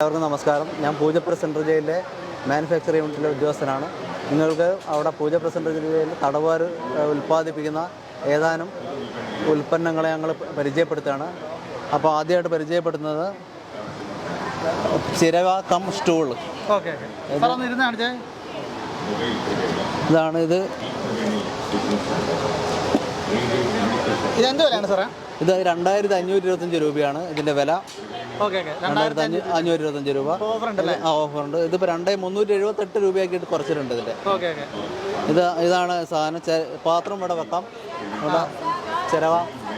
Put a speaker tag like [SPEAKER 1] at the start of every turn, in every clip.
[SPEAKER 1] എല്ലാവർക്കും നമസ്കാരം. ഞാൻ പൂജപ്പുര സെൻട്രൽ ജയിലിലെ മാനുഫാക്ചറിംഗ് യൂണിറ്റിലെ ഉദ്യോഗസ്ഥനാണ്. നിങ്ങൾക്ക് അവിടെ പൂജപ്പുര സെൻട്രൽ ജയിലിൽ തടവുകാർ ഉൽപ്പാദിപ്പിക്കുന്ന ഏതാനും ഉൽപ്പന്നങ്ങളെ ഞങ്ങൾ പരിചയപ്പെടുത്തുകയാണ്. അപ്പോൾ ആദ്യമായിട്ട് പരിചയപ്പെടുത്തുന്നത് ചിരവ കം സ്റ്റൂൾ. ഇതാണ് ഇത്.
[SPEAKER 2] ഇതെന്ത് വിലയാണ് സാറേ?
[SPEAKER 1] ഇത് 2525 രൂപയാണ് ഇതിൻ്റെ വില. 2525 രൂപ ഓഫറുണ്ട്. ഇതിപ്പോൾ 2378 രൂപയാക്കിയിട്ട് കുറച്ചിട്ടുണ്ട് ഇതിൻ്റെ. ഇതാണ് സാധനം. പാത്രം ഇവിടെ വെക്കാം, ഇവിടെ ചിരവ.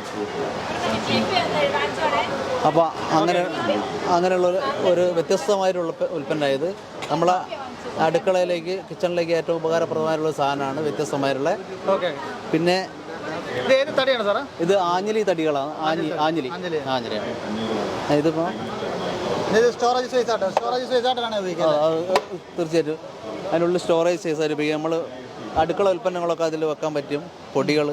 [SPEAKER 1] അപ്പോൾ അങ്ങനെയുള്ള ഒരു വ്യത്യസ്തമായിട്ടുള്ള ഉൽപ്പന്നമായത് നമ്മളെ അടുക്കളയിലേക്ക്, കിച്ചണിലേക്ക് ഏറ്റവും ഉപകാരപ്രദമായിട്ടുള്ള സാധനമാണ്. വ്യത്യസ്തമായിട്ടുള്ള. പിന്നെ ഇത് ആഞ്ഞിലി തടികളാണ്. ആഞ്ഞിലിയാണ് ഇതിപ്പോൾ. തീർച്ചയായിട്ടും അതിനുള്ളിൽ സ്റ്റോറേജ് സൈസായിട്ട് ഉപയോഗിക്കാം. നമ്മൾ അടുക്കള ഉൽപ്പന്നങ്ങളൊക്കെ അതിൽ വെക്കാൻ പറ്റും. പൊടികൾ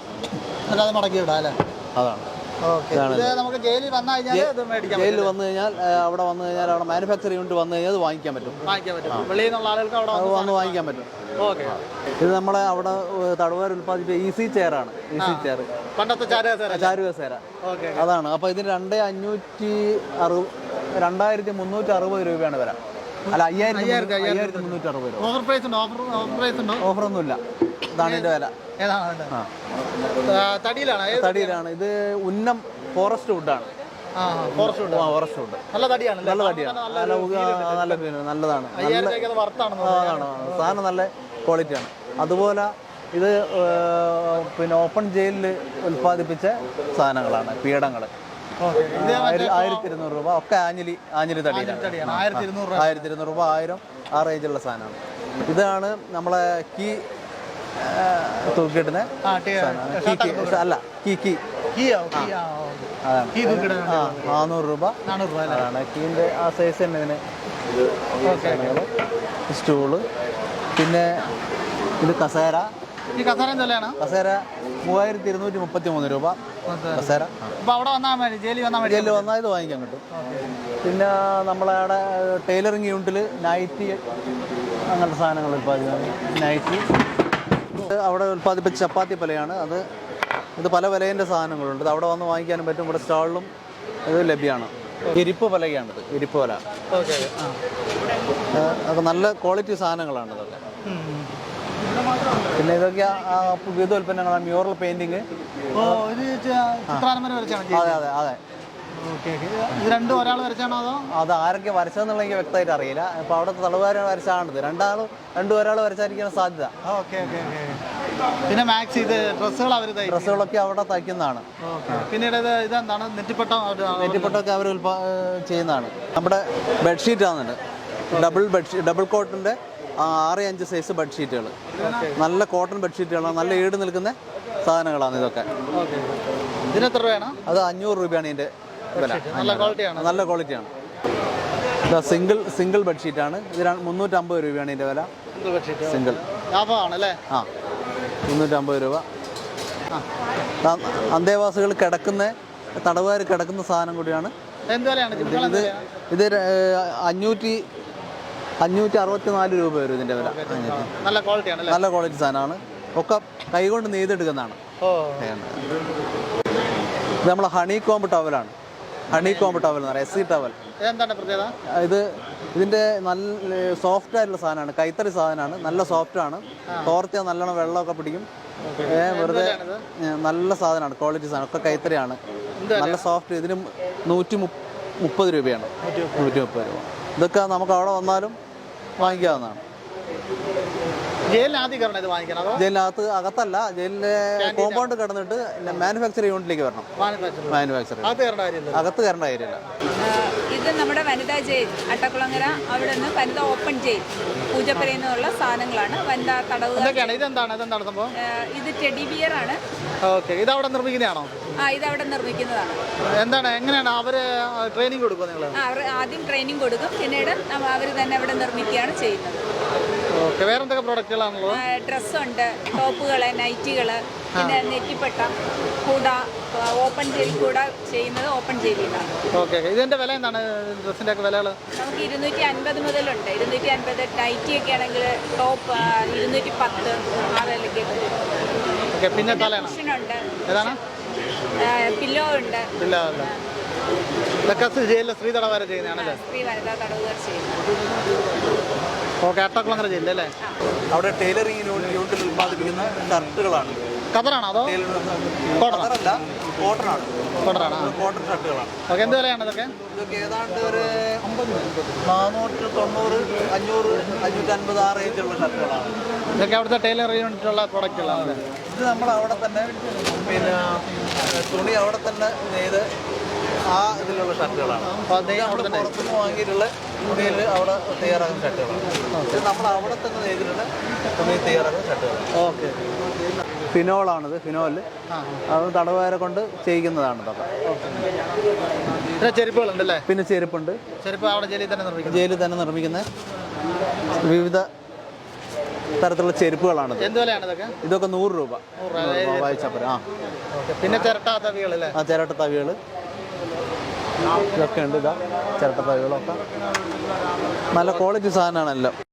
[SPEAKER 1] അതാണ്.
[SPEAKER 2] ജയിലിൽ വന്നു
[SPEAKER 1] കഴിഞ്ഞാൽ അവിടെ മാനുഫാക്ചറിംഗ് യൂണിറ്റ് വന്നു കഴിഞ്ഞാൽ അത് വാങ്ങിക്കാൻ പറ്റും. വാങ്ങിക്കാൻ പറ്റും. ഇത് നമ്മളെ അവിടെ തടവുകാർ ഉൽപ്പാദിപ്പിച്ച ഈസി ചെയറാണ്. ഈസി ചെയർ, ചാരുകസേര അതാണ്. അപ്പോൾ ഇതിന് 2360 രൂപയാണ് വില. അല്ല, 5360 രൂപ. ഓഫറൊന്നുമില്ല. ഇതാണ് ഇതിൻ്റെ വില. തടിയിലാണ്. ഇത് ഉന്നം ഫോറസ്റ്റ് വുഡാണ്. ഫോറസ്റ്റ് വുഡ് നല്ല തടിയാണ്. നല്ലതാണ്. സാധനം നല്ല ക്വാളിറ്റിയാണ്. അതുപോലെ ഇത് പിന്നെ ഓപ്പൺ ജയിലിൽ ഉൽപ്പാദിപ്പിച്ച സാധനങ്ങളാണ്. പീഠങ്ങൾ 1200 രൂപ. ഒക്കെ ആഞ്ഞിലി തടിയാണ്. 1200 രൂപ, 1000 ആ റേഞ്ചുള്ള സാധനമാണ്. ഇതാണ് നമ്മളെ കീ തൂക്കിയിടുന്ന അല്ല, അതാണ് 400 രൂപ ആണ് കീൻ്റെ ആ സൈസ് തന്നെ ഇതിന്. സ്റ്റൂള്. പിന്നെ ഇത് കസേര. കസേര 3233 രൂപ കസേര. ജയിലിൽ വന്നാൽ ഇത് വാങ്ങിക്കാൻ കിട്ടും. പിന്നെ നമ്മളവിടെ ടൈലറിങ് യൂണിറ്റിൽ നൈറ്റി അങ്ങനത്തെ സാധനങ്ങൾ ഉൽപ്പാദിപ്പിക്കുന്നത്. നൈറ്റി അവിടെ ഉൽപ്പാദിപ്പിച്ച ചപ്പാത്തി പലയാണ് അത്. ഇത് പല വിലയിൻ്റെ സാധനങ്ങളുണ്ട്. അവിടെ വന്ന് വാങ്ങിക്കാനും പറ്റും. ഇവിടെ സ്റ്റാളിലും ഇത് ലഭ്യമാണ്. ഇരിപ്പ് പലകയാണിത്. ഇരിപ്പ് പല അതൊക്കെ നല്ല ക്വാളിറ്റി സാധനങ്ങളാണ് ഇതൊക്കെ. പിന്നെ ഇതൊക്കെ വിവിധ ഉൽപ്പന്നങ്ങളാണ്. Mural painting. അതെ.
[SPEAKER 2] രണ്ടും ഒരാൾ വരച്ചാണോ അതോ?
[SPEAKER 1] അത് ആരൊക്കെ വരച്ചതെന്നുള്ള എനിക്ക് വ്യക്തമായിട്ട് അറിയില്ല. ഇപ്പോൾ അവിടുത്തെ തടവുകാർ വരച്ചാണിത്. ഒരാൾ വരച്ചായിരിക്കാൻ സാധ്യത.
[SPEAKER 2] പിന്നെ മാക്സ് ഇത്
[SPEAKER 1] ഡ്രസ്സുകളൊക്കെ അവിടെ തയ്ക്കുന്നതാണ്.
[SPEAKER 2] പിന്നീട് ഇതെന്താണ്?
[SPEAKER 1] നെറ്റിപ്പട്ടൊക്കെ അവർ ചെയ്യുന്നതാണ്. നമ്മുടെ ബെഡ്ഷീറ്റ് ആണെന്നുണ്ട്. ഡബിൾ കോട്ടിൻ്റെ 6-5 സൈസ് ബെഡ്ഷീറ്റുകൾ. നല്ല കോട്ടൺ ബെഡ്ഷീറ്റുകളാണ്. നല്ല ഈട് നിൽക്കുന്ന സാധനങ്ങളാണ് ഇതൊക്കെ.
[SPEAKER 2] ഇതിനെത്ര രൂപയാണ്?
[SPEAKER 1] അത് 500 രൂപയാണ് ഇതിൻ്റെ വില. നല്ല ക്വാളിറ്റിയാണ്. സിംഗിൾ ബെഡ്ഷീറ്റാണ്. ഇത് 350 രൂപയാണ് ഇതിൻ്റെ വില. സിംഗിൾ. ആ, 350 രൂപ. അന്തേവാസികൾ തടവുകാർ കിടക്കുന്ന സാധനം കൂടിയാണ്. ഇത് 564 രൂപ വരും ഇതിൻ്റെ വില. നല്ല ക്വാളിറ്റി സാധനമാണ്. ഒക്കെ കൈകൊണ്ട് നെയ്തെടുക്കുന്നതാണ്. ഇത് നമ്മളെ ഹണി കോംബ് ടവലാണ്. ഹണി കോംബ് ടവൽ എന്ന് പറയാം. SC towel. ഇതിൻ്റെ നല്ല സോഫ്റ്റ് ആയിട്ടുള്ള സാധനമാണ്. കൈത്തറി സാധനമാണ്. നല്ല സോഫ്റ്റാണ്. തോർത്തിയാൽ നല്ലോണം വെള്ളമൊക്കെ പിടിക്കും. വെറുതെ നല്ല സാധനമാണ്. ക്വാളിറ്റി സാധനം. ഒക്കെ കൈത്തറിയാണ്. നല്ല സോഫ്റ്റ്. ഇതിന് 130 രൂപയാണ്. 130 രൂപ. ഇതൊക്കെ നമുക്ക് അവിടെ വന്നാലും വാങ്ങിക്കാവുന്നതാണ്. ജയിലിനകത്ത് അകത്തല്ല, ജയിലിലെ കോമ്പൗണ്ട് കിടന്നിട്ട് മാനുഫാക്ചറിംഗ് യൂണിറ്റിലേക്ക് വരണം. അകത്ത് കയറേണ്ട കാര്യമില്ല.
[SPEAKER 3] ഇത് നമ്മുടെ വനിതാ ജയിൽ അട്ടക്കുളങ്ങര. അവിടെ നിന്ന് വനിതാ ഓപ്പൺ ജയിൽ പൂജപ്പുരയിൽ നിന്നുള്ള സാധനങ്ങളാണ്. വനിതാ തടവുകാർ. ഇത് ടെഡി ബിയർ ആണ്.
[SPEAKER 2] ഇത് അവിടെ നിർമ്മിക്കുന്നതാണോ?
[SPEAKER 3] ഇതവിടെ നിർമ്മിക്കുന്നതാണ്.
[SPEAKER 2] എന്താണ് എങ്ങനെയാണ് അവർ ട്രെയിനിങ് കൊടുക്കുക നിങ്ങൾ?
[SPEAKER 3] അവർ ആദ്യം ട്രെയിനിങ് കൊടുക്കും, പിന്നീട് അവർ തന്നെ അവിടെ നിർമ്മിക്കുകയാണ് ചെയ്യുന്നത്.
[SPEAKER 2] ഓക്കെ. വേറെ എന്തൊക്കെ പ്രോഡക്റ്റുകളാണുള്ളത്?
[SPEAKER 3] ഡ്രസ്സുണ്ട്, ടോപ്പുകൾ, നൈറ്റികൾ, പിന്നെ നെറ്റിപ്പട്ട, കൂട, ഓപ്പൺ ജെയിൽ കൂട ചെയ്യുന്നത് ഓപ്പൺ ജെയിലാണ്.
[SPEAKER 2] ഓക്കെ. ഇതിൻ്റെ വില എന്താണ്? ഡ്രസ്സിൻ്റെ ഒക്കെ വിലകൾ
[SPEAKER 3] നമുക്ക് 250 മുതലുണ്ട്. 250 നൈറ്റിയൊക്കെ ആണെങ്കിൽ ടോപ്പ് 210 ആ വിലയ്ക്ക്.
[SPEAKER 2] ഓക്കെ. പിന്നെ തലയാണ്
[SPEAKER 3] കുഷനുണ്ട്,
[SPEAKER 2] ഏതാണ്?
[SPEAKER 3] പില്ലോ ഉണ്ട്.
[SPEAKER 2] ഇല്ല അല്ല, ഇതൊക്കെ ജയിലിൽ സ്ത്രീ തടവുകാരെ ചെയ്യുന്നതാണല്ലേ?
[SPEAKER 3] സ്ത്രീ വനിതാ തടവുകാർ ചെയ്യുന്നത്.
[SPEAKER 2] ഓക്കെ. അട്ടക്കുളങ്ങര ജയിലല്ലേ?
[SPEAKER 1] അവിടെ ടൈലറിംഗ് യൂണിറ്റിൽ ഉൽപ്പാദിപ്പിക്കുന്ന ഷർട്ടുകളാണ്.
[SPEAKER 2] ഖത്തറാണോ അതോ
[SPEAKER 1] ഖത്തറല്ല, കോട്ടനാണ്.
[SPEAKER 2] കോട്ടനാണ്.
[SPEAKER 1] കോട്ടൺ ഷർട്ടുകളാണ്.
[SPEAKER 2] ഓക്കെ. എന്ത് വിലയാണ് ഇതൊക്കെ?
[SPEAKER 1] ഇതൊക്കെ ഏതാണ്ട് ഒരു 490, 500, 550 ആ റേഞ്ചുള്ള ഷർട്ടുകളാണ്.
[SPEAKER 2] ഇതൊക്കെ അവിടുത്തെ ടൈലർ യൂണിറ്റുള്ള പ്രോഡക്റ്റുകളാണ്.
[SPEAKER 1] ഇത് നമ്മൾ അവിടെ തന്നെ പിന്നെ തുണി അവിടെ തന്നെ നെയ്ത് ആ ഇതിലുള്ള ഷർട്ടുകളാണ്.
[SPEAKER 2] അപ്പോൾ അത് അവിടെ തന്നെ
[SPEAKER 1] പുറത്തുനിന്ന് വാങ്ങിയിട്ടുള്ള തുണിയിൽ അവിടെ തയ്യാറാക്കുന്ന ഷർട്ടുകളാണ്. ഇത് നമ്മൾ അവിടെ തന്നെ നെയ്തിട്ടുള്ള തുണി തയ്യാറാക്കുന്ന ഷർട്ടുകളാണ്.
[SPEAKER 2] ഓക്കെ.
[SPEAKER 1] ഫിനോളാണിത്. ഫിനോല് അത് തടവുകാരെ കൊണ്ട് ചെയ്യിക്കുന്നതാണ് ഇതൊക്കെ.
[SPEAKER 2] പിന്നെ ചെരുപ്പുകളുണ്ടല്ലേ?
[SPEAKER 1] പിന്നെ ചെരുപ്പുണ്ട്.
[SPEAKER 2] ചെരുപ്പ് അവിടെ ജയിലിൽ തന്നെ നിർമ്മിക്കും.
[SPEAKER 1] ജയിലിൽ തന്നെ നിർമ്മിക്കുന്ന വിവിധ തരത്തിലുള്ള ചെരുപ്പുകളാണ്.
[SPEAKER 2] എന്ത് വിലയാണ് ഇതൊക്കെ?
[SPEAKER 1] ഇതൊക്കെ 100 രൂപ വായിച്ചപ്പുറം.
[SPEAKER 2] ഓക്കെ. പിന്നെ ചിരട്ട തവികളല്ലേ?
[SPEAKER 1] ചിരട്ട തവികൾ ഇതൊക്കെ ഉണ്ട്. ഇതാ ചിരട്ട തവികളൊക്കെ നല്ല ക്വാളിറ്റി സാധനമാണല്ലോ.